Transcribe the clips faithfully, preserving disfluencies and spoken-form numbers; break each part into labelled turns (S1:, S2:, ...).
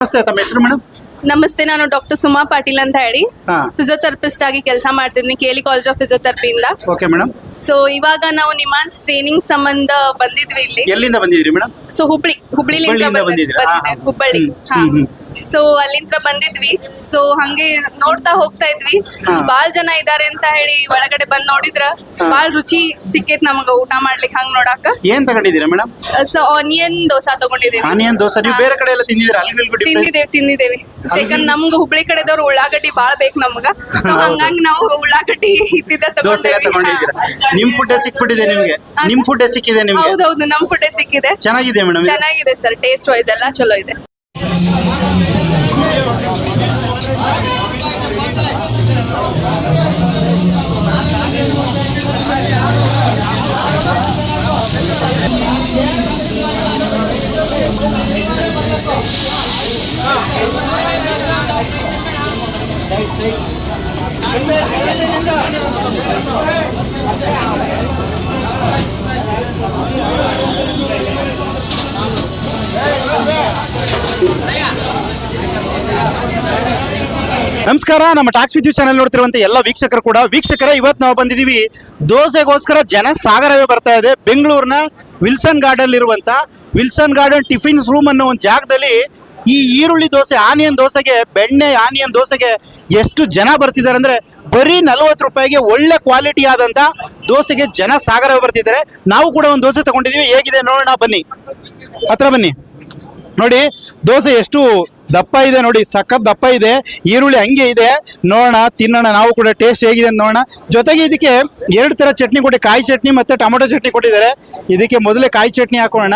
S1: ನಮಸ್ತೆ ತಮ್ಮ ಹೆಸರು ಮೇಡಮ್?
S2: ನಮಸ್ತೆ, ನಾನು ಡಾಕ್ಟರ್ ಸುಮಾ ಪಾಟೀಲ್ ಅಂತ ಹೇಳಿ ಫಿಸಿಯೋಥೆರಪಿಸ್ಟ್ ಆಗಿ ಕೆಲಸ ಮಾಡ್ತಿದ್ದೀನಿ ಕೇಲಿ ಕಾಲೇಜ್ ಆಫ್ ಫಿಸಿಯೋಥೆರಪಿಯಿಂದ.
S1: Okay madam.
S2: ಸೊ ಇವಾಗ ನಾವು ನಿಮಾನ್ಸ್ ಟ್ರೈನಿಂಗ್ ಸಂಬಂಧ ಬಂದಿದ್ವಿ ಇಲ್ಲಿ.
S1: ಎಲ್ಲಿಂದ ಬಂದಿದ್ರಿ ಮೇಡಮ್?
S2: ಸೊ ಹುಬ್ಳಿ ಹುಬ್ಳಿಲಿಂದ ಬಂದಿದ್ವಿ, ಹುಬ್ಬಳ್ಳಿ. ಸೊ ಅಲ್ಲಿಂದ ಬಂದಿದ್ವಿ. ಸೊ ಹಂಗೆ ನೋಡ್ತಾ ಹೋಗ್ತಾ ಇದ್ವಿ, ಬಾಳ್ ಜನ ಇದಾರೆ ಅಂತ ಹೇಳಿ ಒಳಗಡೆ ಬಂದ್ ನೋಡಿದ್ರ ಬಾಳ್ ರುಚಿ ಸಿಕ್ಕೇತ್ ನಮಗ ಊಟ ಮಾಡ್ಲಿಕ್ಕೆ. ಹಂಗ್ ನೋಡಾಕ
S1: ಏನ್ ತಗೊಂಡಿದ್ದೀರಾ ಮೇಡಮ್?
S2: ಸೊ ಆನಿಯನ್ ದೋಸಾ ತಗೊಂಡಿದ್ದೀವಿ.
S1: ಆನಿಯನ್ ದೋಸೆ ನೀವು ಬೇರೆ ಕಡೆ ಎಲ್ಲ ತಿಂದಿದ್ದೀರಾ? ಅಲ್ಲಿ
S2: ತಿಂದಿದ್ದೇವೆ ತಿಂದಿದ್ದೇವೆ ಸೆಕೆಂಡ್ ನಮ್ಗ ಹುಬ್ಳಿ ಕಡೆದವ್ರು ಉಳ್ಳಾಗಡ್ಡಿ ಬಾಳ್ ಬೇಕು ನಮ್ಗ. ಸೊ ಹಂಗಾಗಿ ನಾವು ಉಳ್ಳಾಗಡ್ಡಿ ಇದ್ದಿದ್ದ
S1: ತಗೊಂಡಿದ್ದೀರಾ? ನಿಮ್ ಫುಡ್ ಸಿಕ್ಬಿಟ್ಟಿದೆ ನಿಮ್ಗೆ? ನಿಮ್ ಫುಡ್ ಸಿಕ್ಕಿದೆ ನಿಮ್ಗೆ?
S2: ಹೌದೌದು, ನಮ್ ಫುಡ್ ಸಿಕ್ಕಿದೆ.
S1: ಚೆನ್ನಾಗಿದೆ ಮೇಡಮ್?
S2: ಚೆನ್ನಾಗಿದೆ ಸರ್, ಟೇಸ್ಟ್ ವೈಸ್ ಎಲ್ಲ ಚಲೋ ಇದೆ.
S1: ನಮಸ್ಕಾರ, ನಮ್ಮ ಟಾಕ್ಸ್ ವಿದ್ಯು ಚಾನೆಲ್ ನೋಡ್ತಿರುವಂತ ಎಲ್ಲ ವೀಕ್ಷಕರು ಕೂಡ ವೀಕ್ಷಕರೇ, ಇವತ್ತು ನಾವು ಬಂದಿದ್ದೀವಿ ದೋಸೆಗೋಸ್ಕರ ಜನ ಸಾಗರವೇ ಬರ್ತಾ ಇದೆ. ಬೆಂಗಳೂರಿನ ವಿಲ್ಸನ್ ಗಾರ್ಡನ್ ಇರುವಂತ ವಿಲ್ಸನ್ ಗಾರ್ಡನ್ ಟಿಫಿನ್ಸ್ ರೂಮ್ ಅನ್ನೋ ಒಂದು ಜಾಗದಲ್ಲಿ ಈ ಈರುಳ್ಳಿ ದೋಸೆ, ಆನಿಯನ್ ದೋಸೆಗೆ, ಬೆಣ್ಣೆ ಆನಿಯನ್ ದೋಸೆಗೆ ಎಷ್ಟು ಜನ ಬರ್ತಿದ್ದಾರೆ ಅಂದ್ರೆ ಬರೀ ನಲ್ವತ್ತು ರೂಪಾಯಿಗೆ ಒಳ್ಳೆ ಕ್ವಾಲಿಟಿ ಆದಂತ ದೋಸೆಗೆ ಜನ ಸಾಗರವೇ ಬರ್ತಿದ್ದಾರೆ. ನಾವು ಕೂಡ ಒಂದು ದೋಸೆ ತಗೊಂಡಿದೀವಿ, ಹೇಗಿದೆ ನೋಡೋಣ ಬನ್ನಿ. ಹತ್ರ ಬನ್ನಿ. ನೋಡಿ ದೋಸೆ ಎಷ್ಟು ದಪ್ಪ ಇದೆ, ನೋಡಿ ಸಖತ್ ದಪ್ಪ ಇದೆ. ಈರುಳ್ಳಿ ಹಂಗೆ ಇದೆ, ನೋಡೋಣ, ತಿನ್ನೋಣ, ನಾವು ಕೂಡ ಟೇಸ್ಟ್ ಹೇಗಿದೆ ಅಂತ ನೋಡೋಣ. ಜೊತೆಗೆ ಇದಕ್ಕೆ ಎರಡು ತರ ಚಟ್ನಿ ಕೊಟ್ಟು, ಕಾಯಿ ಚಟ್ನಿ ಮತ್ತೆ ಟೊಮೊಟೊ ಚಟ್ನಿ ಕೊಟ್ಟಿದ್ದಾರೆ. ಇದಕ್ಕೆ ಮೊದಲೇ ಕಾಯಿ ಚಟ್ನಿ ಹಾಕೋಣ.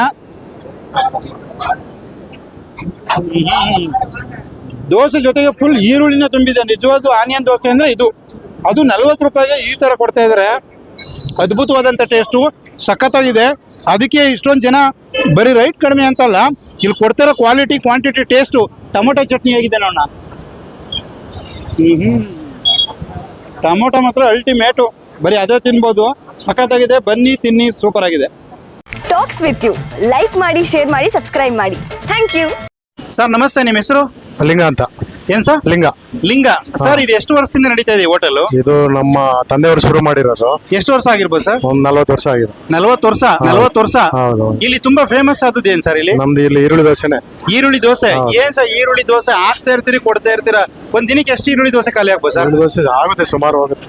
S1: ದೋಸೆ ಜೊತೆಗೆ ಫುಲ್ ಈರುಳ್ಳಿನ ತುಂಬಿದೆ. ನಿಜವಾದ ಆನಿಯನ್ ದೋಸೆ ಅಂದ್ರೆ ಇದು, ಅದು ನಲ್ವತ್ತು ರೂಪಾಯಿಗೆ ಈ ತರ ಕೊಡ್ತಾ ಇದಾರೆ. ಅದ್ಭುತವಾದಂತ ಟೇಸ್ಟು, ಸಖತ್ತಾಗಿದೆ. ಅದಕ್ಕೆ ಇಷ್ಟೊಂದು ಜನ ಬರೀ ರೈಟ್ ಕಡಿಮೆ ಅಂತಲ್ಲ, ಇಲ್ಲಿ ಕೊಡ್ತಿರೋ quality, quantity, taste. Tomato chutney ಹೇಗಿದೆ ನೋಡೋಣ. ಹ್ಮ್ ಟೊಮೊಟೊ ಮಾತ್ರ ಅಲ್ಟಿಮೇಟು, ಬರೀ ಅದೇ ತಿನ್ಬೋದು, ಸಖತ್ತಾಗಿದೆ. ಬನ್ನಿ ತಿನ್ನಿ, ಸೂಪರ್ ಆಗಿದೆ.
S3: ಟಾಕ್ಸ್ ವಿತ್ ಯು ಲೈಕ್ ಮಾಡಿ, ಶೇರ್ ಮಾಡಿ, ಸಬ್ಸ್ಕ್ರೈಬ್ ಮಾಡಿ. Thank you
S1: sir. ನಮಸ್ತೆ, ನಿಮ್ಮ ಹೆಸರು?
S4: ಲಿಂಗ ಅಂತ.
S1: ಏನ್ ಸರ್?
S4: ಲಿಂಗ.
S1: ಲಿಂಗ ಸರ್, ಇದು ಎಷ್ಟು ವರ್ಷದಿಂದ ನಡೀತಾ ಇದೆ ಹೋಟೆಲ್?
S4: ಇದು ನಮ್ಮ ತಂದೆಯವರು ಶುರು ಮಾಡಿರೋದು.
S1: ಎಷ್ಟು ವರ್ಷ ಆಗಿರ್ಬೋದು ಸರ್?
S4: ಒಂದ್ ನಲ್ವತ್ತು ವರ್ಷ ಆಗಿದೆ.
S1: ನಲ್ವತ್ತು ವರ್ಷ ನಲ್ವತ್ತು ವರ್ಷ
S4: ಹೌದು.
S1: ಇಲ್ಲಿ ತುಂಬಾ ಫೇಮಸ್ ಆದದ್ದು ಏನ್ ಸರ್ ಇಲ್ಲಿ?
S4: ನಮ್ದು ಇಲ್ಲಿ ಈರುಳ್ಳಿ ದೋಸೆನೆ.
S1: ಈರುಳ್ಳಿ ದೋಸೆ. ಏನ್ ಸರ್ ಈರುಳ್ಳಿ ದೋಸೆ ಹಾಕ್ತಾ ಇರ್ತೀರಿ, ಕೊಡ್ತಾ ಇರ್ತೀರಾ? ಒಂದ್ ದಿನಕ್ಕೆ ಎಷ್ಟು ಈರುಳ್ಳಿ ದೋಸೆ ಖಾಲಿ ಆಗ್ಬೋದು ಸರ್?
S4: ಈರುಳ್ಳಿ ದೋಸೆ ಆಗುತ್ತೆ, ಸುಮಾರು ಆಗುತ್ತೆ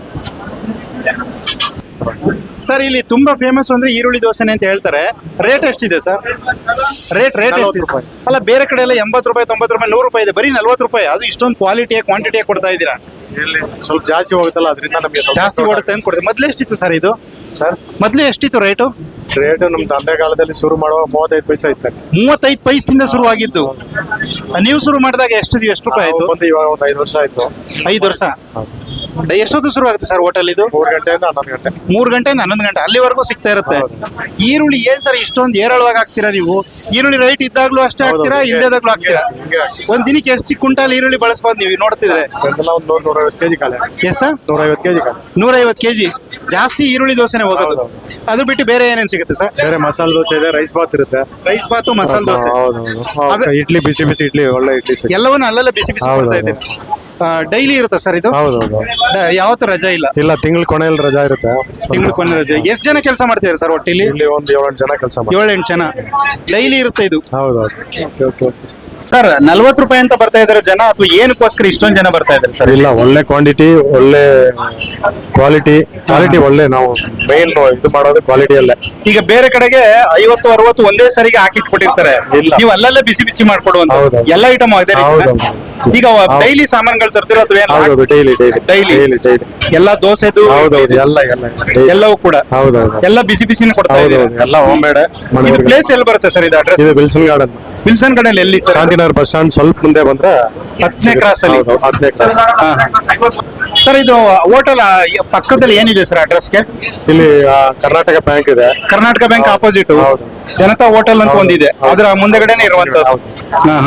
S1: ಸರ್. ಇಲ್ಲಿ ತುಂಬಾ ಫೇಮಸ್ ಅಂದ್ರೆ ಈರುಳ್ಳಿ ದೋಸೆನೆ ಅಂತ ಹೇಳ್ತಾರೆ. ರೇಟ್ ಎಷ್ಟಿದೆ ಸರ್? ರೇಟ್ ರೇಟ್
S4: ರೂಪಾಯಿ.
S1: ಅಲ್ಲ, ಬೇರೆ ಕಡೆ ಎಲ್ಲ ಎಂಬತ್ತು ರೂಪಾಯಿ, ತೊಂಬತ್ತು ರೂಪಾಯಿ, ನೂರು ರೂಪಾಯಿ ಇದೆ, ಬರೀ ನಲ್ವತ್ತು ರೂಪಾಯಿ. ಅದು ಇಷ್ಟೊಂದು ಕ್ವಾಲಿಟಿ ಕ್ವಾಂಟಿಟಿ ಕೊಡ್ತಾ ಇದ್ದೀರಾ?
S4: ಇಲ್ಲಿ ಸ್ವಲ್ಪ ಜಾಸ್ತಿ ಹೋಗುತ್ತಲ್ಲ, ಅದರಿಂದ ನಮಗೆ
S1: ಜಾಸ್ತಿ ಓಡುತ್ತೆ ಅಂತ ಕೊಡ್ತೀವಿ. ಮೊದ್ಲು ಎಷ್ಟಿತ್ತು ಸರ್ ಇದು?
S4: ಸರ್
S1: ಮೊದ್ಲು ಎಷ್ಟಿತ್ತು ರೇಟು?
S4: ರೇಟ್ ನಮ್ ತಂದೆ ಕಾಲದಲ್ಲಿ ಶುರು ಮಾಡುವ ಮೂವತ್ತೈದು ಪೈಸೆ ಇತ್ತು.
S1: ಮೂವತ್ತೈದು ಪೈಸದಿಂದ ಶುರುವಾಗಿದ್ದು. ನೀವು ಶುರು ಮಾಡಿದಾಗ ಎಷ್ಟು ಎಷ್ಟು ರೂಪಾಯಿ ಆಯ್ತು?
S4: ಬಂದು ಇವಾಗ ಒಂದು ಐದು ವರ್ಷ ಆಯ್ತು.
S1: ಐದು ವರ್ಷ. ಎಷ್ಟೊತ್ತು ಶುರು ಆಗುತ್ತೆ ಸರ್ ಹೋಟೆಲ್ ಇದು?
S4: ಮೂರು ಗಂಟೆಯಿಂದ ಹನ್ನೊಂದು ಗಂಟೆ.
S1: ಮೂರು ಗಂಟೆಯಿಂದ ಹನ್ನೊಂದು ಗಂಟೆ ಅಲ್ಲಿವರೆಗೂ ಸಿಗ್ತಾ ಇರುತ್ತೆ. ಈರುಳ್ಳಿ ಏನ್ ಸರ್ ಇಷ್ಟೊಂದು ಏರಳವಾಗಿ ಹಾಕ್ತೀರಾ ನೀವು? ಈರುಳ್ಳಿ ರೈಟ್ ಇದ್ದಾಗ್ಲೂ ಅಷ್ಟೇ ಹಾಕ್ತೀರಾ, ಇಲ್ಲದಾಗ್ಲೂ ಹಾಕ್ತೀರಾ? ಒಂದ್ ದಿನಕ್ಕೆ ಎಷ್ಟು ಕ್ವಿಂಟಾಲ್ ಈರುಳ್ಳಿ ಬಳಸ್ಬೋದು ನೀವು ನೋಡ್ತಿದ್ರೆ?
S4: ಒಂದು ನೂರ ನೂರೈವತ್ತು ಕೆಜಿ ಖಾಲಿ.
S1: Yes sir?
S4: ನೂರೈವತ್ತು ಕೆಜಿ ಖಾಲಿ.
S1: ನೂರೈವತ್ತು ಕೆಜಿ ಜಾಸ್ತಿ ಈರುಳ್ಳಿ ದೋಸೆನೆ ಹೋಗೋದು. ಅದು ಬಿಟ್ಟು ಬೇರೆ ಏನೇನ್ ಸಿಗುತ್ತೆ ಸರ್?
S4: ಬೇರೆ ಮಸಾಲೆ ದೋಸೆ ಇದೆ, ರೈಸ್ ಬಾತ್ ಇರುತ್ತೆ.
S1: ರೈಸ್ ಬಾತು, ಮಸಾಲೆ ದೋಸೆ.
S4: ಹೌದು. ಇಡ್ಲಿ, ಬಿಸಿ ಬಿಸಿ ಇಡ್ಲಿ, ಒಳ್ಳೆ ಇಡ್ಲಿ.
S1: ಎಲ್ಲವನ್ನ ಅಲ್ಲೆಲ್ಲ ಬಿಸಿ ಬಿಸಿ ಕೊಡ್ತಾ ಇದ್ದೀವಿ. ಡೈಲಿ ಇರುತ್ತೆ ಸರ್ ಇದು?
S4: ಹೌದೌದು.
S1: ಯಾವತ್ತು ರಜಾ ಇಲ್ಲ?
S4: ಇಲ್ಲ, ತಿಂಗಳ ಕೊನೆಯಲ್ಲಿ ರಜಾ ಇರುತ್ತೆ.
S1: ತಿಂಗಳ ಕೊನೆ ರಜೆ. ಎಷ್ಟು ಜನ ಕೆಲಸ ಮಾಡ್ತಿದ್ದಾರೆ ಸರ್ ಒಟ್ಟಿಲಿ?
S4: ಇಲ್ಲಿ ಒಂದು ಏಳೆಂಟು ಜನ ಕೆಲಸ ಮಾಡ್ತಾರೆ.
S1: ಏಳೆಂಟು ಜನ ಡೈಲಿ ಇರುತ್ತೆ ಇದು?
S4: ಹೌದೌದು.
S1: ಸರ್, ನಲ್ವತ್ತು ರೂಪಾಯಿ ಅಂತ ಬರ್ತಾ ಇದಾರೆ ಜನ, ಅಥವಾ ಏನಕ್ಕೋಸ್ಕರ ಇಷ್ಟೊಂದು ಜನ ಬರ್ತಾ ಇದ್ದಾರೆ ಸರ್?
S4: ಇಲ್ಲ, ಒಳ್ಳೆ ಕ್ವಾಂಟಿಟಿ, ಒಳ್ಳೆ ಕ್ವಾಲಿಟಿ. ಕ್ವಾಲಿಟಿ ಒಳ್ಳೆ, ನಾವು ಮೇನ್ ಇದು ಮಾಡೋದು ಕ್ವಾಲಿಟಿ ಅಲ್ಲೇ. ಈಗ
S1: ಬೇರೆ ಕಡೆಗೆ ಐವತ್ತು ಅರವತ್ತು ಒಂದೇ ಸರಿಗೆ ಹಾಕಿಟ್ಬಿಟ್ಟಿರ್ತಾರೆ, ನೀವು ಅಲ್ಲಲ್ಲೇ ಬಿಸಿ ಬಿಸಿ ಮಾಡ್ಕೊಡುವಂತ ಎಲ್ಲ ಐಟಮ್ ಅದೇ ರೀತಿ. ಈಗ ಡೈಲಿ ಸಾಮಾನುಗಳು ತರ್ತಿರೋ ಅಥವಾ ಏನು?
S4: ಡೈಲಿ
S1: ಡೈಲಿ ಎಲ್ಲ ದೋಸೆದು
S4: ಎಲ್ಲ
S1: ಎಲ್ಲವೂ ಕೂಡ
S4: ಹೌದೌದು,
S1: ಎಲ್ಲ ಬಿಸಿ ಬಿಸಿನ ಕೊಡ್ತಾ ಇದ್ದೀರಾ?
S4: ಎಲ್ಲ ಹೋಮ್ ಮೇಡ್.
S1: ಇದು ಪ್ಲೇಸ್ ಎಲ್ಲಿ ಬರುತ್ತೆ ಸರ್? ಇದು ಅಡ್ರೆಸ್?
S4: ಇದು ವಿಲ್ಸನ್ ಗಾರ್ಡನ್.
S1: ವಿಲ್ಸನ್ ಗಾರ್ಡನ್ ಎಲ್ಲಿ ಸರ್?
S4: ಶಾಂತಿನಗರ್ ಬಸ್ ಸ್ಟ್ಯಾಂಡ್ ಸ್ವಲ್ಪ ಮುಂದೆ ಬಂದ್ರೆ
S1: ಹತ್ತನೇ ಕ್ರಾಸ್ ಅಲ್ಲಿ.
S4: ಹತ್ತನೇ ಕ್ರಾಸ್.
S1: ಸರ್, ಇದು ಹೋಟೆಲ್ ಪಕ್ಕದಲ್ಲಿ ಏನಿದೆ ಸರ್ ಅಡ್ರೆಸ್ಗೆ?
S4: ಇಲ್ಲಿ ಕರ್ನಾಟಕ ಬ್ಯಾಂಕ್ ಇದೆ.
S1: Karnataka bank opposite Janata hotel ಅಂತ ಒಂದಿದೆ, ಅದರ ಮುಂದೆಗಡೆನೆ ಇರುವಂತದ್ದು.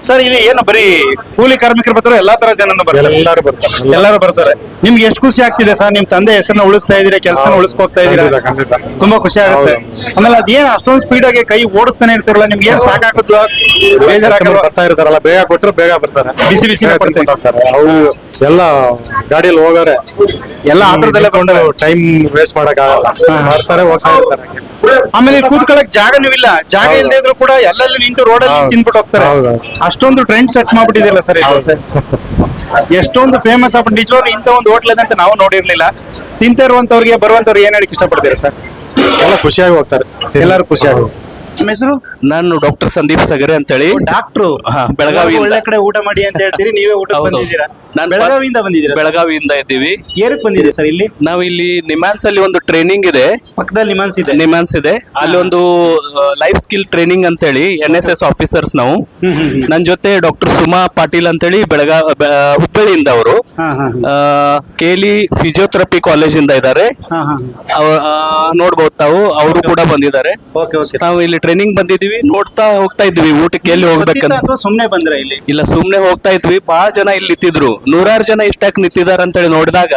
S1: ಸರ್ ಇಲ್ಲಿ ಏನು ಬರೀ ಕೂಲಿ ಕಾರ್ಮಿಕರು ಬರ್ತಾರೆ ಎಲ್ಲಾ ತರ ಜನನು ಬರ್ತಾರೆ
S4: ಎಲ್ಲರೂ ಬರ್ತಾರೆ
S1: ಎಲ್ಲರೂ ಬರ್ತಾರೆ. ನಿಮ್ಗೆ ಎಷ್ಟು ಖುಷಿ ಆಗ್ತಿದೆ ಸರ್, ನಿಮ್ ತಂದೆ ಹೆಸರನ್ನ ಉಳಿಸ್ತಾ ಇದೀರಾ, ಕೆಲಸನ ಉಳಿಸ್ಕೋಗ್ತಾ ಇದೀರಾ,
S4: ಖಂಡಿತ, ಖಂಡಿತ.
S1: ತುಂಬಾ ಖುಷಿ ಆಗುತ್ತೆ. ಆಮೇಲೆ ಅದೇನ್ ಅಷ್ಟೊಂದು ಸ್ಪೀಡ್ ಆಗಿ ಕೈ ಓಡಿಸ್ತಾನೆ ಇರ್ತಿರಲ್ಲ, ನಿಮ್ಗೆ ಏನ್ ಸಾಕಾಗುತ್ತೋ ಬೇಜಾರಾಗಲ್ಲ?
S4: ಬರ್ತಾ ಇರ್ತಾರಲ್ಲ, ಬೇಗ ಕೊಟ್ರೆ ಬೇಗ ಬರ್ತಾರೆ,
S1: ಬಿಸಿ ಬಿಸಿ
S4: ಕೊಡ್ತಾರೆ. ಅವು ಎಲ್ಲ ಗಾಡಿಯಲ್ಲಿ ಹೋಗಾರೆ
S1: ಎಲ್ಲ ಆತರದಲ್ಲೇ ಬಂದ್ರೆ
S4: ಟೈಮ್ ವೇಸ್ಟ್ ಮಾಡಕ್ ಆಗಲ್ಲ, ಬರ್ತಾರೆ ಹೋಗ್ತಾ ಇರ್ತಾರೆ.
S1: ಆಮೇಲೆ ಇಲ್ಲಿ ಕೂತ್ಕೊಳ್ಳಕ್ ಜಾಗನೂ ಇಲ್ಲ, ಜಾಗ ಇಲ್ಲದೆ ಇದ್ರು ಕೂಡ ಎಲ್ಲೆಲ್ಲೂ ನಿಂತು ರೋಡಲ್ಲಿ
S4: ಹೌದು.
S1: ತಿನ್ಬಿಟ್ಟು ಹೋಗ್ತಾರೆ.
S4: ಹೌದು.
S1: ಅಷ್ಟೊಂದು ಟ್ರೆಂಡ್ ಸೆಟ್ ಮಾಡ್ಬಿಟ್ಟಿದಿಲ್ಲ ಸರ್ ಇದು. ಎಷ್ಟೊಂದು ಫೇಮಸ್ ಆಗ್ಬಿಟ್ಟು ನಿಜವಾಗ್ಲೂ ಇಂಥ ಒಂದು ಹೋಟ್ಲ್ ಇದೆ ಅಂತ ನಾವು ನೋಡಿರ್ಲಿಲ್ಲ. ತಿಂತ ಇರುವಂತವ್ರಿಗೆ ಬರುವಂತವ್ರಿಗೆ ಏನ್ ಹೇಳಕ್ ಇಷ್ಟಪಡ್ತೀರಾ ಸರ್?
S4: ಎಲ್ಲ ಖುಷಿಯಾಗಿ ಹೋಗ್ತಾರೆ,
S1: ಎಲ್ಲರೂ ಖುಷಿಯಾಗಿ. ನಿಮ್ಮ ಹೆಸರು?
S5: ನಾನು ಡಾಕ್ಟರ್ ಸಂದೀಪ್ ಸಗರೆ ಅಂತ ಹೇಳಿ
S1: ಡಾಕ್ಟ್ರು.
S5: ಹಾ, ಬೆಳಗಾವಿಯಿಂದ.
S1: ಒಳ್ಳೆ ಕಡೆ ಊಟ ಮಾಡಿ ಅಂತ ಹೇಳ್ತೀರಿ, ನೀವೇ ಊಟ
S5: ಹೌದು.
S1: ಬಂದಿದ್ದೀರಾ?
S5: ನಾನು
S1: ಬೆಳಗಾವಿಯಿಂದ ಬಂದಿದ್ದೀರಾ?
S5: ಬೆಳಗಾವಿಯಿಂದ ಇದ್ದೀವಿ.
S1: ಏನಕ್ಕೆ ಬಂದಿದೆ ಸರ್ ಇಲ್ಲಿ?
S5: ನಾವು ಇಲ್ಲಿ ನಿಮ್ಯಾನ್ಸ್ ಅಲ್ಲಿ ಒಂದು ಟ್ರೈನಿಂಗ್ ಇದೆ,
S1: ಪಕ್ಕದಲ್ಲಿ ನಿಮಾನ್ಸ್ ಇದೆ.
S5: ನಿಮ್ಯಾನ್ಸ್ ಇದೆ, ಅಲ್ಲಿ ಒಂದು ಲೈಫ್ ಸ್ಕಿಲ್ ಟ್ರೈನಿಂಗ್ ಅಂತ ಹೇಳಿ ಎನ್ ಎಸ್ ಎಸ್ ಆಫೀಸರ್ಸ್ ನಾವು. ನನ್ನ ಜೊತೆ ಡಾಕ್ಟರ್ ಸುಮಾ ಪಾಟೀಲ್ ಅಂತ ಹೇಳಿ ಬೆಳಗಾವ್ ಬೆ- ಹುಬ್ಬಳ್ಳಿಯಿಂದ ಅವರು.
S1: ಹಾ ಹಾ
S5: ಕೇಲಿ ಫಿಸಿಯೋಥೆರಪಿ ಕಾಲೇಜ್ ಇಂದ ಇದ್ದಾರೆ,
S1: ಹಾ ಹಾ
S5: ಅವ- ಆ, ನೋಡ್ಬೋದು ತಾವು, ಅವರು ಕೂಡ ಬಂದಿದ್ದಾರೆ.
S1: Okay okay.
S5: ನಾವು ಇಲ್ಲಿ ಟ್ರೈನಿಂಗ್ ಬಂದಿದೀವಿ, ನೋಡ್ತಾ ಹೋಗ್ತಾ ಇದ್ವಿ ಊಟಕ್ಕೆ ಎಲ್ಲಿ ಹೋಗ್ಬೇಕಂತ.
S1: ಅಥವಾ ಸುಮ್ನೆ ಬಂದ್ರ ಇಲ್ಲಿ?
S5: ಇಲ್ಲ, ಸುಮ್ನೆ ಹೋಗ್ತಾ ಇದ್ವಿ. ಬಹಳ ಜನ ಇಲ್ಲಿ ನಿಂತಿದ್ರು, ನೂರಾರು ಜನ ಇಷ್ಟಾಕ್ ನಿಂತಿದಾರ ಅಂತ ಹೇಳಿ ನೋಡಿದಾಗ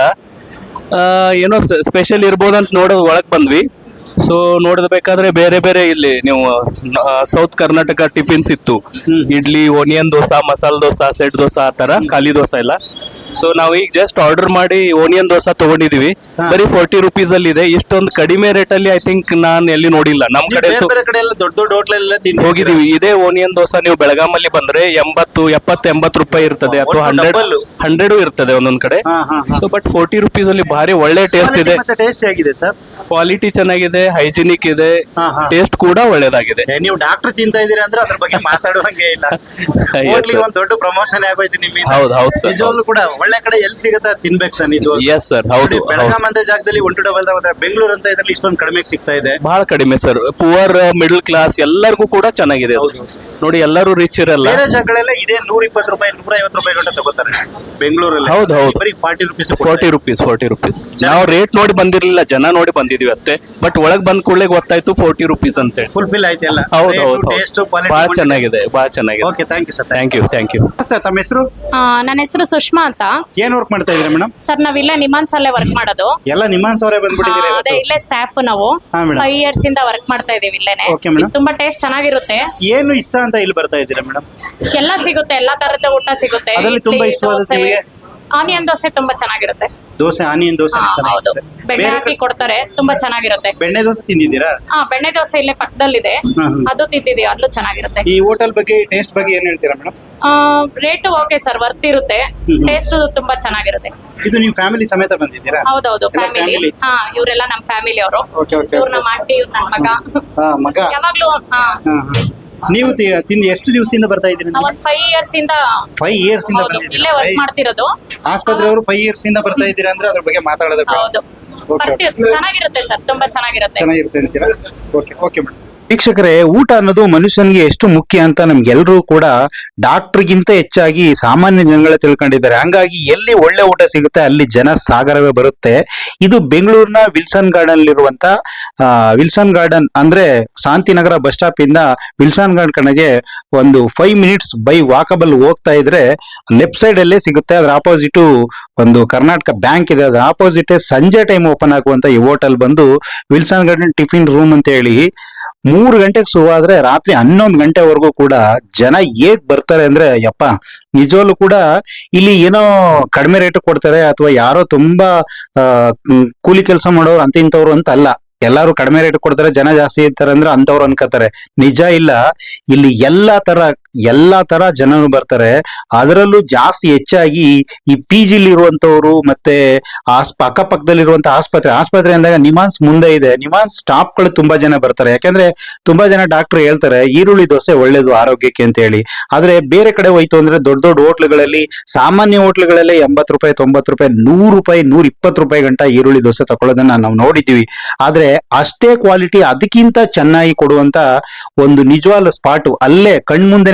S5: ಆ, ಏನೋ ಸ್ಪೆಷಲ್ ಇರ್ಬೋದಂತ ನೋಡೋದು ಒಳಗ್ ಬಂದ್ವಿ. ಸೊ ನೋಡಬೇಕಾದ್ರೆ ಬೇರೆ ಬೇರೆ ಇಲ್ಲಿ ನೀವು ಸೌತ್ ಕರ್ನಾಟಕ ಟಿಫಿನ್ಸ್ ಇತ್ತು, ಇಡ್ಲಿ, ಓನಿಯನ್ ದೋಸಾ, ಮಸಾಲ ದೋಸಾ, ಸೆಟ್ ದೋಸಾ, ಆ ತರ ಖಾಲಿ ದೋಸಾ ಎಲ್ಲ. ಸೊ ನಾವು ಈಗ ಜಸ್ಟ್ ಆರ್ಡರ್ ಮಾಡಿ ಓನಿಯನ್ ದೋಸಾ ತಗೊಂಡಿದೀವಿ, ಬರೀ ಫೋರ್ಟಿ ರುಪೀಸ್ ಅಲ್ಲಿ ಇದೆ. ಇಷ್ಟೊಂದು ಕಡಿಮೆ ರೇಟ್ ಅಲ್ಲಿ ಐ ಥಿಂಕ್ ನಾನು ಎಲ್ಲಿ ನೋಡಿಲ್ಲ. ನಮ್ ಕಡೆ ಅಂತೂ
S1: ಬೇರೆ ಕಡೆ ಎಲ್ಲ ದೊಡ್ಡ ದೊಡ್ಡ ಹೋಟ್ಲ್ ಎಲ್ಲ ತಿಂದು
S5: ಹೋಗಿದೀವಿ. ಇದೇ ಓನಿಯನ್ ದೋಸಾ ನೀವು ಬೆಳಗಾಮಲ್ಲಿ ಬಂದ್ರೆ ಎಂಬತ್ತು ಎಪ್ಪತ್ತು ಎಂಬತ್ತು ರೂಪಾಯಿ ಇರ್ತದೆ, ಅಥವಾ ಹಂಡ್ರೆಡ್ ಹಂಡ್ರೆಡ್ ಇರ್ತದೆ ಒಂದೊಂದ್ ಕಡೆ.
S1: ಹಾ ಹಾ
S5: ಸೊ ಬಟ್ ಫೋರ್ಟಿ ರುಪೀಸ್ ಅಲ್ಲಿ ಭಾರಿ ಒಳ್ಳೆ ಟೇಸ್ಟ್ ಇದೆ,
S1: ಟೇಸ್ಟ್ ಆಗಿದೆ ಸರ್.
S5: ಕ್ವಾಲಿಟಿ ಚೆನ್ನಾಗಿದೆ, ಹೈಜಿನಿಕ್ ಇದೆ,
S1: ಹಾ, ಹಾ.
S5: ಟೇಸ್ಟ್ ಕೂಡ ಒಳ್ಳೇದಾಗಿದೆ.
S1: ಏ, ನೀವು ಡಾಕ್ಟರ್ ತಿಂತಾ ಇದೀರಾ ಅಂದ್ರೆ ಅದ್ರ ಬಗ್ಗೆ ಮಾತಾಡುವಂಗೆ ಇಲ್ಲ.
S5: Yes,
S1: ಹೋಟ್ಲಿಗೆ
S5: sir.
S1: ಒಂದ್ ದೊಡ್ಡ ಪ್ರಮೋಷನ್ ಆಗೋಯ್ತು ನಿಮ್ಮಿಂದ.
S5: ಹೌದು, ಹೌದು, sir.
S1: ನಿಜವಾಗ್ಲೂ ಕೂಡ ಒಳ್ಳೆ ಕಡೆ ಎಲ್ಲಿ ಸಿಗುತ್ತೆ ಅದ್ ತಿನ್ಬೇಕು ಸರ್ ನಿಜವಾಗ್ಲೂ.
S5: ಎಸ್ ಸರ್, ಹೌದು, ಹೌದು.
S1: ಬೆಳಗಾಂ ಅಂತ ಜಾಗದಲ್ಲಿ ಒನ್ ಟು ಡಬಲ್ ಹೋದ್ರೆ ಬೆಂಗಳೂರು ಅಂತ ಇದ್ರಲ್ಲಿ ಇಷ್ಟೊಂದು ಕಡಿಮೆ ಸಿಗ್ತಾ ಇದೆ.
S5: ಬಹಳ ಕಡಿಮೆ ಸರ್, ಪುವರ್ ಮಿಡಲ್ ಕ್ಲಾಸ್ ಎಲ್ಲರಿಗೂ ಕೂಡ ಚೆನ್ನಾಗಿದೆ ಅದು. ನೋಡಿ, ಎಲ್ಲರೂ ರಿಚ್ ಇರಲ್ಲ.
S1: ಬೇರೆ ಜಾಗಗಳೆಲ್ಲ ಇದೇ ನೂರ ಇಪ್ಪತ್ತು ರೂಪಾಯಿ ನೂರ ಐವತ್ತು ರೂಪಾಯಿ ಗಂಟೆ ತಗೋತಾರೆ ಬೆಂಗಳೂರಲ್ಲಿ.
S5: ಹೌದು, ಹೌದು.
S1: ಬರೀ forty rupees
S5: forty rupees forty rupees ನಾವು ರೇಟ್ ನೋಡಿ ಬಂದಿರ್ಲಿಲ್ಲ, ಜನ ನೋಡಿ ಬಂದಿದೀವಿ ಅಷ್ಟೇ. ಬಟ್ ಒಳಗ್ ಬಂದ್ ಕೂಡಲೇ ಗೊತ್ತಾಯ್ತು ಫೋರ್ಟಿ ರುಪೀಸ್ ಅಂತ ಹೇಳಿ.
S1: ಫುಲ್ಫಿಲ್ ಆಯ್ತು ಎಲ್ಲ.
S5: ಹೌದು, ಹೌದು,
S1: ಟೇಸ್ಟ್
S5: ಹೌದು.
S1: ಕ್ವಾಲಿಟಿ
S5: ಬಹಳ ಚೆನ್ನಾಗಿದೆ, ಬಹಳ ಚೆನ್ನಾಗಿದೆ.
S1: Okay, thank you sir.
S5: Thank you, thank you.
S1: Sir ತಮ್ಮ ಹೆಸರು?
S6: ಆ, ನನ್ನ ಹೆಸರು ಸುಷ್ಮಾ ಅಂತ.
S1: ಏನ್ ವರ್ಕ್ ಮಾಡ್ತಾ ಇದ್ದೀರಾ ಮೇಡಮ್?
S6: ಸರ್ ನಾವ್ ಇಲ್ಲೇ ನಿಮಾನ್ಸ್ ಅಲ್ಲೇ ವರ್ಕ್ ಮಾಡೋದು.
S1: ಎಲ್ಲ ನಿಮಾನ್ಸ್ ಅವರೇ
S6: ಆ,
S1: ಬಂದ್ಬಿಟ್ಟಿದ್ದೀರಾ
S6: ಅದೇ
S1: ಇವತ್ತು?
S6: ಇಲ್ಲೇ ಸ್ಟಾಫ್ ನಾವು
S1: ಹಾ, madam.
S6: ಫೈವ್ ಇಯರ್ಸ್ ಇಂದ ವರ್ಕ್ ಮಾಡ್ತಾ ಇದೀವಿ ಇಲ್ಲೇನೆ.
S1: Okay, madam.
S6: ಇದು ತುಂಬಾ ಟೇಸ್ಟ್ ಚೆನ್ನಾಗಿರುತ್ತೆ,
S1: ಏನು ಇಷ್ಟ ಅಂತ ಇಲ್ಲಿ ಬರ್ತಾ ಇದ್ದೀರಾ ಮೇಡಮ್?
S6: ಎಲ್ಲ ಸಿಗುತ್ತೆ, ಎಲ್ಲಾ ತರದ ಊಟ ಸಿಗುತ್ತೆ.
S1: ಅದರಲ್ಲಿ ತುಂಬಾ
S6: ಇಡ್ಲಿ,
S1: ಇಷ್ಟವಾದ
S6: ದೋಸೆ,
S1: ನಿಮಗೆ?
S6: ಆನಿಯನ್ ದೋಸೆ ತುಂಬಾ ಚೆನ್ನಾಗಿರುತ್ತೆ.
S1: ದೋಸೆ, ಆನಿಯನ್ ದೋಸೆ
S6: ಆ, ಹೌದು,
S1: ಚೆನ್ನಾಗಿರುತ್ತೆ.
S6: ಬೆಣ್ಣೆ
S1: ಬೇರೆ
S6: ಹಾಕಿ ಕೊಡ್ತಾರೆ, ತುಂಬಾ ಚೆನ್ನಾಗಿರುತ್ತೆ.
S1: ಬೆಣ್ಣೆ ದೋಸೆ ತಿಂದಿದ್ದೀರಾ?
S6: ಹಾ, ಬೆಣ್ಣೆ ದೋಸೆ ಇಲ್ಲೇ ಪಕ್ಕದಲ್ಲಿದೆ,
S1: ಹ್ಮ್, ಹ್ಮ್.
S6: ಅದು ತಿಂದಿದೀವಿ, ಅಲ್ಲೂ ಚೆನ್ನಾಗಿರುತ್ತೆ.
S1: ಈ ಹೋಟೆಲ್ ಬಗ್ಗೆ, ಟೇಸ್ಟ್ ಬಗ್ಗೆ ಏನ್ ಹೇಳ್ತೀರಾ madam?
S6: Rate okay sir, worth ಇರುತ್ತೆ,
S1: ಹ್ಮ್.
S6: ಟೇಸ್ಟ್ ತುಂಬಾ ಚೆನ್ನಾಗಿರುತ್ತೆ.
S1: ಇದು ನಿಮ್ ಫ್ಯಾಮಿಲಿ ಸಮೇತ ಬಂದಿದ್ದೀರಾ?
S6: ಹೌದೌದು,
S1: ಎಲ್ಲ
S6: ಫ್ಯಾಮಿಲಿ.
S1: family?
S6: ಹಾ, ಇವರೆಲ್ಲ ನಮ್ ಫ್ಯಾಮಿಲಿ ಅವರು.
S1: Okay okay.
S6: ಇವ್ರು ನಮ್ಮ ಆಂಟಿ, ಇವ್ರು ನನ್ನ ಮಗ.
S1: ಹಾ, ಮಗ.
S6: ಯಾವಾಗ್ಲೂ ಹಾ
S1: ಹಾ, ಹಾ. ನೀವು ತಿ- ತಿಂದು ಎಷ್ಟು ದಿವಸದಿಂದ ಬರ್ತಾ ಇದ್ದೀರಿ?
S6: ನಾವ್ ಒಂದ್ ಫೈವ್ ಇಯರ್ಸ್ ಇಂದ
S1: ಫೈವ್ ಇಯರ್ಸ್ ಇಂದ
S6: ಹೌದು,
S1: ಬಂದಿದ್ದೀರಾ?
S6: ಇಲ್ಲೇ ವರ್ಕ್ ಮಾಡ್ತಿರೋದು.
S1: ಆಸ್ಪತ್ರೆಯವರು ಫೈವ್ ಇಯರ್ಸ್ ಇಂದ ಬರ್ತಾ ಇದ್ದೀರಾ ಅಂದ್ರೆ ಅದ್ರ ಬಗ್ಗೆ ಮಾತಾಡೋದಕ್ಕೆ
S6: ಹೌದು,
S1: ಓಕೆ,
S6: ಬರ್ತಿ- ಚೆನ್ನಾಗಿರುತ್ತೆ ಸರ್, ತುಂಬಾ ಚೆನ್ನಾಗಿರುತ್ತೆ.
S1: ಚೆನ್ನಾಗಿರುತ್ತೆ ಅಂತೀರಾ? Okay okay madam. ವೀಕ್ಷಕರೇ, ಊಟ ಅನ್ನೋದು ಮನುಷ್ಯನಿಗೆ ಎಷ್ಟು ಮುಖ್ಯ ಅಂತ ನಮ್ಗೆಲ್ಲರೂ ಕೂಡ ಡಾಕ್ಟರ್ಗಿಂತ ಹೆಚ್ಚಾಗಿ ಸಾಮಾನ್ಯ ಜನಗಳೇ ತಿಳ್ಕೊಂಡಿದ್ದಾರೆ. ಹಂಗಾಗಿ ಎಲ್ಲಿ ಒಳ್ಳೆ ಊಟ ಸಿಗುತ್ತೆ ಅಲ್ಲಿ ಜನ ಸಾಗರವೇ ಬರುತ್ತೆ. ಇದು ಬೆಂಗಳೂರಿನ ವಿಲ್ಸನ್ ಗಾರ್ಡನ್ ಇರುವಂತ ವಿಲ್ಸನ್ ಗಾರ್ಡನ್ ಅಂದ್ರೆ ಶಾಂತಿನಗರ ಬಸ್ ಸ್ಟಾಪ್ ಇಂದ ವಿಲ್ಸನ್ ಗಾರ್ಡನ್ ಕಡೆಗೆ ಒಂದು ಫೈವ್ ಮಿನಿಟ್ಸ್ ಬೈ ವಾಕಬಲ್ ಹೋಗ್ತಾ ಇದ್ರೆ ಲೆಫ್ಟ್ ಸೈಡ್ ಅಲ್ಲೇ ಸಿಗುತ್ತೆ. ಅದ್ರ ಆಪೋಸಿಟ್ ಒಂದು ಕರ್ನಾಟಕ ಬ್ಯಾಂಕ್ ಇದೆ, ಅದ್ರ ಆಪೋಸಿಟ್ ಸಂಜೆ ಟೈಮ್ ಓಪನ್ ಆಗುವಂತ ಈ ಹೋಟೆಲ್ ಬಂದು ವಿಲ್ಸನ್ ಗಾರ್ಡನ್ ಟಿಫಿನ್ ರೂಮ್ ಅಂತ ಹೇಳಿ ಮೂರು ಗಂಟೆಗೆ ಶುರುವಾದ್ರೆ ರಾತ್ರಿ ಹನ್ನೊಂದು ಗಂಟೆವರೆಗೂ ಕೂಡ ಜನ ಹೇಗ್ ಬರ್ತಾರೆ ಅಂದ್ರೆ ಯಪ್ಪ, ನಿಜವಲ್ಲೂ ಕೂಡ ಇಲ್ಲಿ ಏನೋ ಕಡಿಮೆ ರೇಟ್ ಕೊಡ್ತಾರೆ ಅಥವಾ ಯಾರೋ ತುಂಬಾ ಆ ಕೂಲಿ ಕೆಲಸ ಮಾಡೋರು ಅಂತ ಇಂಥವ್ರು ಅಂತ ಅಲ್ಲ. ಎಲ್ಲಾರು ಕಡಿಮೆ ರೇಟ್ ಕೊಡ್ತಾರೆ, ಜನ ಜಾಸ್ತಿ ಇರ್ತಾರೆ ಅಂದ್ರೆ ಅಂತವ್ರು ಅನ್ಕೋತಾರೆ. ನಿಜ ಇಲ್ಲ, ಇಲ್ಲಿ ಎಲ್ಲಾ ತರ ಎಲ್ಲಾ ತರ ಜನರು ಬರ್ತಾರೆ. ಅದರಲ್ಲೂ ಜಾಸ್ತಿ ಹೆಚ್ಚಾಗಿ ಈ ಪಿ ಜಿಲಿ ಇರುವಂತವ್ರು ಮತ್ತೆ ಆಸ್ ಅಕ್ಕಪಕ್ಕದಲ್ಲಿರುವಂತ ಆಸ್ಪತ್ರೆ ಆಸ್ಪತ್ರೆ ಅಂದಾಗ ನಿಮಾನ್ಸ್ ಮುಂದೆ ಇದೆ, ನಿಮಾನ್ಸ್ ಸ್ಟಾಫ್ ಗಳು ತುಂಬಾ ಜನ ಬರ್ತಾರೆ. ಯಾಕಂದ್ರೆ ತುಂಬಾ ಜನ ಡಾಕ್ಟರ್ ಹೇಳ್ತಾರೆ ಈರುಳ್ಳಿ ದೋಸೆ ಒಳ್ಳೇದು ಆರೋಗ್ಯಕ್ಕೆ ಅಂತ ಹೇಳಿ. ಆದ್ರೆ ಬೇರೆ ಕಡೆ ಹೋಯ್ತು ಅಂದ್ರೆ ದೊಡ್ಡ ದೊಡ್ಡ ಹೋಟ್ಲುಗಳಲ್ಲಿ, ಸಾಮಾನ್ಯ ಹೋಟ್ಲುಗಳಲ್ಲಿ ಎಂಬತ್ತು ರೂಪಾಯಿ ತೊಂಬತ್ತು ರೂಪಾಯಿ ನೂರು ರೂಪಾಯಿ ನೂರ ಇಪ್ಪತ್ತು ರೂಪಾಯಿ ಗಂಟ ಈರುಳ್ಳಿ ದೋಸೆ ತಗೊಳ್ಳೋದನ್ನ ನಾವು ನೋಡಿದ್ದೀವಿ. ಆದ್ರೆ ಅಷ್ಟೇ ಕ್ವಾಲಿಟಿ ಅದಕ್ಕಿಂತ ಚೆನ್ನಾಗಿ ಕೊಡುವಂತ ಒಂದು ನಿಜವಾದ ಸ್ಪಾಟ್ ಅಲ್ಲೇ ಕಣ್ಮುಂದೆನೆ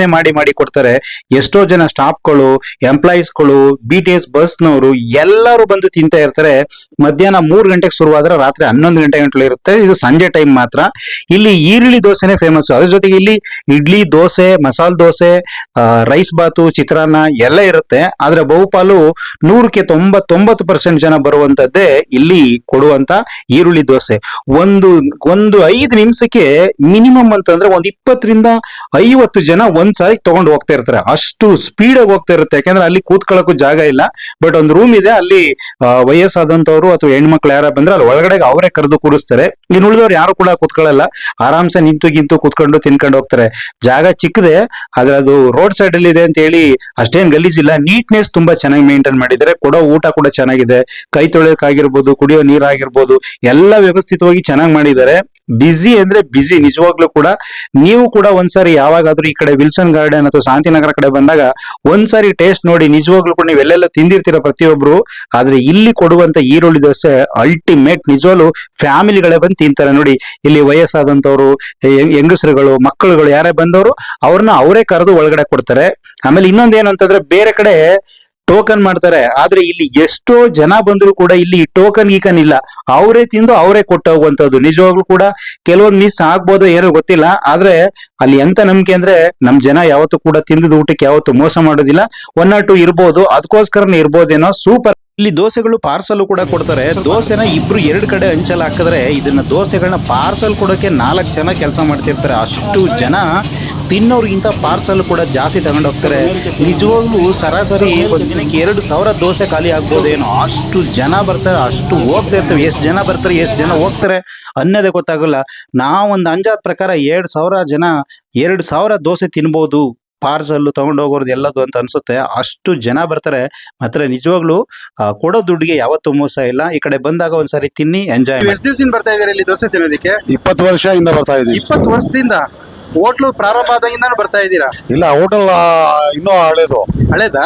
S1: ತುಂಬಾನೇ ಮಾಡಿ ಮಾಡಿ ಕೊಡ್ತಾರೆ. ಎಷ್ಟೋ ಜನ ಸ್ಟಾಫ್ಗಳು, ಎಂಪ್ಲಾಯೀಸ್ಗಳು, ಬಿ ಟಿ ಎಸ್ ಬಸ್ನವರು ಎಲ್ಲರೂ ಬಂದು ತಿಂತಾ ಇರ್ತಾರೆ. ಮಧ್ಯಾಹ್ನ ಮೂರ್ ಗಂಟೆಗೆ ಶುರುವಾದ್ರೆ ರಾತ್ರಿ ಹನ್ನೊಂದು ಗಂಟೆ ಗಂಟಲು ಇರುತ್ತೆ. ಇದು ಸಂಜೆ ಟೈಮ್ ಮಾತ್ರ. ಇಲ್ಲಿ ಈರುಳ್ಳಿ ದೋಸೆನೆ ಫೇಮಸ್. ಅದ್ರ ಜೊತೆಗೆ ಇಲ್ಲಿ ಇಡ್ಲಿ, ದೋಸೆ, ಮಸಾಲೆ ದೋಸೆ, ರೈಸ್ ಬಾತು, ಚಿತ್ರಾನ್ನ ಎಲ್ಲ ಇರುತ್ತೆ. ಆದ್ರೆ ಬಹುಪಾಲು ನೂರಕ್ಕೆ ತೊಂಬತ್ತೊಂಬತ್ತು ಪರ್ಸೆಂಟ್ ಜನ ಬರುವಂತದ್ದೇ ಇಲ್ಲಿ ಕೊಡುವಂತ ಈರುಳ್ಳಿ ದೋಸೆ. ಒಂದು ಒಂದು ಐದು ನಿಮಿಷಕ್ಕೆ ಮಿನಿಮಮ್ ಅಂತಂದ್ರೆ ಒಂದ್ ಇಪ್ಪತ್ತರಿಂದ ಐವತ್ತು ಜನ ಒಂದ್ ಸಾರಿ ತಗೊಂಡು ಹೋಗ್ತಾ ಇರ್ತಾರೆ. ಅಷ್ಟು ಸ್ಪೀಡ್ ಆಗಿ ಹೋಗ್ತಾ ಇರುತ್ತೆ. ಯಾಕಂದ್ರೆ ಅಲ್ಲಿ ಕೂತ್ಕೊಳ್ಳೋಕು ಜಾಗ ಇಲ್ಲ. ಬಟ್ ಒಂದು ರೂಮ್ ಇದೆ, ಅಲ್ಲಿ ವಯಸ್ಸಾದಂತವ್ರು ಅಥವಾ ಹೆಣ್ಮಕ್ಳು ಯಾರ ಬಂದ್ರೆ ಅಲ್ಲಿ ಒಳಗಡೆ ಅವರೇ ಕರೆದು ಕೂರಿಸ್ತಾರೆ. ಇನ್ನು ಉಳಿದವ್ರು ಯಾರು ಕೂಡ ಕೂತ್ಕೊಳ್ಳಲ್ಲ, ಆರಾಮ್ಸೆ ನಿಂತು ಗಿಂತು ಕೂತ್ಕೊಂಡು ತಿನ್ಕೊಂಡು ಹೋಗ್ತಾರೆ. ಜಾಗ ಚಿಕ್ಕದೆ, ಆದ್ರೆ ಅದು ರೋಡ್ ಸೈಡ್ ಅಲ್ಲಿ ಇದೆ ಅಂತ ಹೇಳಿ ಅಷ್ಟೇನ್ ಗಲೀಜಿಲ್ಲ. ನೀಟ್ನೆಸ್ ತುಂಬಾ ಚೆನ್ನಾಗಿ ಮೇಂಟೈನ್ ಮಾಡಿದ್ದಾರೆ. ಕೊಡೋ ಊಟ ಕೂಡ ಚೆನ್ನಾಗಿದೆ. ಕೈ ತೊಳೆಯೋಕಾಗಿರ್ಬೋದು, ಕುಡಿಯೋ ನೀರಾಗಿರ್ಬೋದು, ಎಲ್ಲ ವ್ಯವಸ್ಥಿತವಾಗಿ ಚೆನ್ನಾಗಿ ಮಾಡಿದ್ದಾರೆ. ಬಿಸಿ ಅಂದ್ರೆ ಬಿಸಿ ನಿಜವಾಗ್ಲೂ ಕೂಡ. ನೀವು ಕೂಡ ಒಂದ್ಸಾರಿ ಯಾವಾಗಾದ್ರೂ ಈ ಕಡೆ ವಿಲ್ಸನ್ ಗಾರ್ಡನ್ ಅಥವಾ ಶಾಂತಿನಗರ ಕಡೆ ಬಂದಾಗ ಒಂದ್ಸಾರಿ ಟೇಸ್ಟ್ ನೋಡಿ. ನಿಜವಾಗ್ಲೂ ಕೂಡ ನೀವು ಎಲ್ಲೆಲ್ಲ ತಿಂದಿರ್ತೀರ ಪ್ರತಿಯೊಬ್ರು, ಆದ್ರೆ ಇಲ್ಲಿ ಕೊಡುವಂತ ಈರುಳ್ಳಿ ದೋಸೆ ಅಲ್ಟಿಮೇಟ್. ನಿಜವಾಗ್ಲೂ ಫ್ಯಾಮಿಲಿಗಳೇ ಬಂದು ತಿಂತಾರೆ ನೋಡಿ. ಇಲ್ಲಿ ವಯಸ್ಸಾದಂತವ್ರು, ಹೆಂಗಸರುಗಳು, ಮಕ್ಕಳುಗಳು ಯಾರೇ ಬಂದವರು ಅವ್ರನ್ನ ಅವರೇ ಕರೆದು ಒಳಗಡೆ ಕೊಡ್ತಾರೆ. ಆಮೇಲೆ ಇನ್ನೊಂದೇನು ಅಂತಂದ್ರೆ ಬೇರೆ ಕಡೆ ಟೋಕನ್ ಮಾಡ್ತಾರೆ, ಆದ್ರೆ ಇಲ್ಲಿ ಎಷ್ಟೋ ಜನ ಬಂದ್ರು ಕೂಡ ಇಲ್ಲಿ ಟೋಕನ್ ಗೀಕನ್ ಇಲ್ಲ. ಅವರೇ ತಿಂದು ಅವರೇ ಕೊಟ್ಟು ಹೋಗುವಂತದ್ದು. ನಿಜವಾಗ್ಲೂ ಕೂಡ ಕೆಲವೊಂದು ಮಿಸ್ ಆಗ್ಬೋದು, ಏನೋ ಗೊತ್ತಿಲ್ಲ. ಆದ್ರೆ ಅಲ್ಲಿ ಎಂತ ನಂಬಿಕೆ ಅಂದ್ರೆ ನಮ್ ಜನ ಯಾವತ್ತೂ ಕೂಡ ತಿಂದದ ಊಟಕ್ಕೆ ಯಾವತ್ತು ಮೋಸ ಮಾಡೋದಿಲ್ಲ. ಒನ್ ಆರ್ ಟು ಇರ್ಬೋದು, ಅದಕ್ಕೋಸ್ಕರನೇ ಇರ್ಬೋದೇನೋ. ಸೂಪರ್. ಇಲ್ಲಿ ದೋಸೆಗಳು ಪಾರ್ಸಲ್ ಕೂಡ ಕೊಡ್ತಾರೆ. ದೋಸೆನ ಇಬ್ರು ಎರಡು ಕಡೆ ಹಂಚಲ್ ಹಾಕಿದ್ರೆ ಇದನ್ನ ದೋಸೆಗಳನ್ನ ಪಾರ್ಸಲ್ ಕೊಡೋಕೆ ನಾಲ್ಕು ಜನ ಕೆಲಸ ಮಾಡ್ತಿರ್ತಾರೆ. ಅಷ್ಟು ಜನ ತಿನ್ನೋರ್ಗಿಂತ ಪಾರ್ಸಲ್ ಕೂಡ ಜಾಸ್ತಿ ತಗೊಂಡು ಹೋಗ್ತಾರೆ. ನಿಜವಾಗ್ಲೂ ಸರಾಸರಿ ಒಂದ್ ದಿನಕ್ಕೆ ಎರಡು ಸಾವಿರ ದೋಸೆ ಖಾಲಿ ಆಗ್ಬೋದೇನೋ, ಅಷ್ಟು ಜನ ಬರ್ತಾರೆ, ಅಷ್ಟು ಹೋಗ್ತಾ ಇರ್ತವೆ. ಎಷ್ಟು ಜನ ಬರ್ತಾರೆ, ಎಷ್ಟು ಜನ ಹೋಗ್ತಾರೆ ಅನ್ನೋದೇ ಗೊತ್ತಾಗಲ್ಲ. ನಾವೊಂದು ಅಂಜಾದ ಪ್ರಕಾರ ಎರಡ್ ಸಾವಿರ ಜನ ಎರಡ್ ಸಾವಿರ ದೋಸೆ ತಿನ್ಬೋದು ಪಾರ್ಸಲ್ ತಗೊಂಡು ಹೋಗೋದು ಎಲ್ಲದು ಅಂತ ಅನ್ಸುತ್ತೆ. ಅಷ್ಟು ಜನ ಬರ್ತಾರೆ. ಮಾತ್ರ ನಿಜವಾಗ್ಲೂ ಕೊಡೋ ದುಡ್ಡಿಗೆ ಯಾವತ್ತೂ ಮೋಸ ಇಲ್ಲ. ಈ ಕಡೆ ಬಂದಾಗ ಒಂದ್ಸರಿ ತಿನ್ನಿ, ಎಂಜಾಯ್. ಎಷ್ಟು ದಿವಸದಿಂದ ಬರ್ತಾ ಇದ್ದಾರೆ ಇಲ್ಲಿ ದೋಸೆ ತಿನ್ನೋದಕ್ಕೆ?
S4: ಇಪ್ಪತ್ತು ವರ್ಷದಿಂದ ಬರ್ತಾ ಇದೀವಿ.
S1: ಇಪ್ಪತ್ತು ವರ್ಷದಿಂದ ಹೋಟ್ಲು ಪ್ರಾರಂಭ ಆದಾಗಿಂದ ಬರ್ತಾ ಇದ್ದೀರಾ?
S4: ಇಲ್ಲ, ಹೋಟೆಲ್ ಇನ್ನೂ ಹಳೇದು.
S1: ಹಳೇದಾ?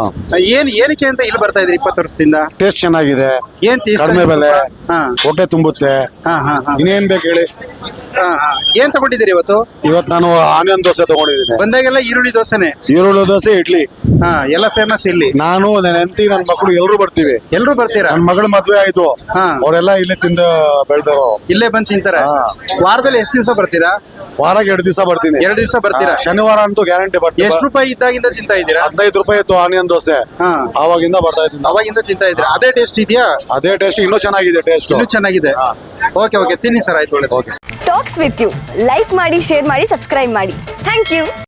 S1: ಏನ್ ಏನಕ್ಕೆ ಅಂತ ಇಲ್ಲಿ ಬರ್ತಾ ಇದ್ರಿ ಇಪ್ಪತ್ತು ವರ್ಷದಿಂದ?
S4: ಟೇಸ್ಟ್ ಚೆನ್ನಾಗಿದೆ,
S1: ಏನ್ taste?
S4: ಕಡಿಮೆ ಬೆಲೆ,
S1: ಹಾ
S4: ಹೊಟ್ಟೆ ತುಂಬುತ್ತೆ.
S1: ಹಾ ಹಾ ಹಾ
S4: ಇನ್ನೇನ್ ಬೇಕು ಹೇಳಿ.
S1: ಹಾ ಹಾ ಏನ್ ತಗೊಂಡಿದ್ದೀರಿ ಇವತ್ತು?
S4: ಇವತ್ತು ನಾನು ಆನಿಯನ್ ದೋಸೆ ತಗೊಂಡಿದ್ದೀನಿ.
S1: ಬಂದಾಗೆಲ್ಲ ಈರುಳ್ಳಿ ದೋಸೆನೆ?
S4: ಈರುಳ್ಳಿ ದೋಸೆ, ಇಡ್ಲಿ.
S1: ಹಾ ಎಲ್ಲ ಫೇಮಸ್ ಇಲ್ಲಿ.
S4: ನಾನು ನನ್ನ ಹೆಂಡತಿ, ನನ್ನ ಮಕ್ಕಳು ಎಲ್ಲರೂ ಬರ್ತೀವಿ.
S1: ಎಲ್ರು ಬರ್ತೀರಾ?
S4: ನನ್ನ ಮಗಳ ಮದ್ವೆ ಆಯ್ತು,
S1: ಹಾ
S4: ಅವರೆಲ್ಲ ಇಲ್ಲೇ ತಿಂದ ಬೆಳ್ದಾರೋ.
S1: ಇಲ್ಲೇ ಬಂದ್ ತಿಂತಾರೆ.
S4: ಹಾ.
S1: ವಾರದಲ್ಲಿ ಎಷ್ಟು ದಿವಸ ಬರ್ತೀರಾ?
S4: ವಾರಕ್ಕೆ ಎರಡು ದಿವಸ ಬರ್ತೀನಿ.
S1: ಎರಡು ದಿವಸ ಬರ್ತೀರಾ?
S4: ಹಾ, ಶನಿವಾರ ಅಂತೂ ಗ್ಯಾರಂಟಿ ಬರ್ತೀನಿ.
S1: ಎಷ್ಟು ರೂಪಾಯಿ ಇದ್ದಾಗಿಂದ ತಿಂತಾ ಇದ್ದೀರಾ?
S4: ಹದಿನೈದು ರೂಪಾಯಿ ಇತ್ತು ಆನಿಯನ್ ದೋಸೆ,
S1: ಹಾ
S4: ಆವಾಗಿಂದ ಬರ್ತಾ ಇದ್ದೀನಿ.
S1: ಅವಾಗಿಂದ ತಿಂತಾ ಇದ್ದೀರಾ? ಅದೇ ಟೇಸ್ಟ್ ಇದೆಯಾ?
S4: ಅದೇ ಟೇಸ್ಟ್, ಇನ್ನೂ ಚೆನ್ನಾಗಿದೆ ಟೇಸ್ಟ್.
S1: ಇನ್ನೂ ಚೆನ್ನಾಗಿದೆ. ಓಕೆ ಓಕೆ ತಿನ್ನಿ ಸರ್, ಆಯ್ತು, ಒಳ್ಳೆ.
S3: ಟಾಕ್ಸ್ ವಿತ್ ಯು ಲೈಕ್ ಮಾಡಿ, ಶೇರ್ ಮಾಡಿ, ಸಬ್ಸ್ಕ್ರೈಬ್ ಮಾಡಿ. Thank you.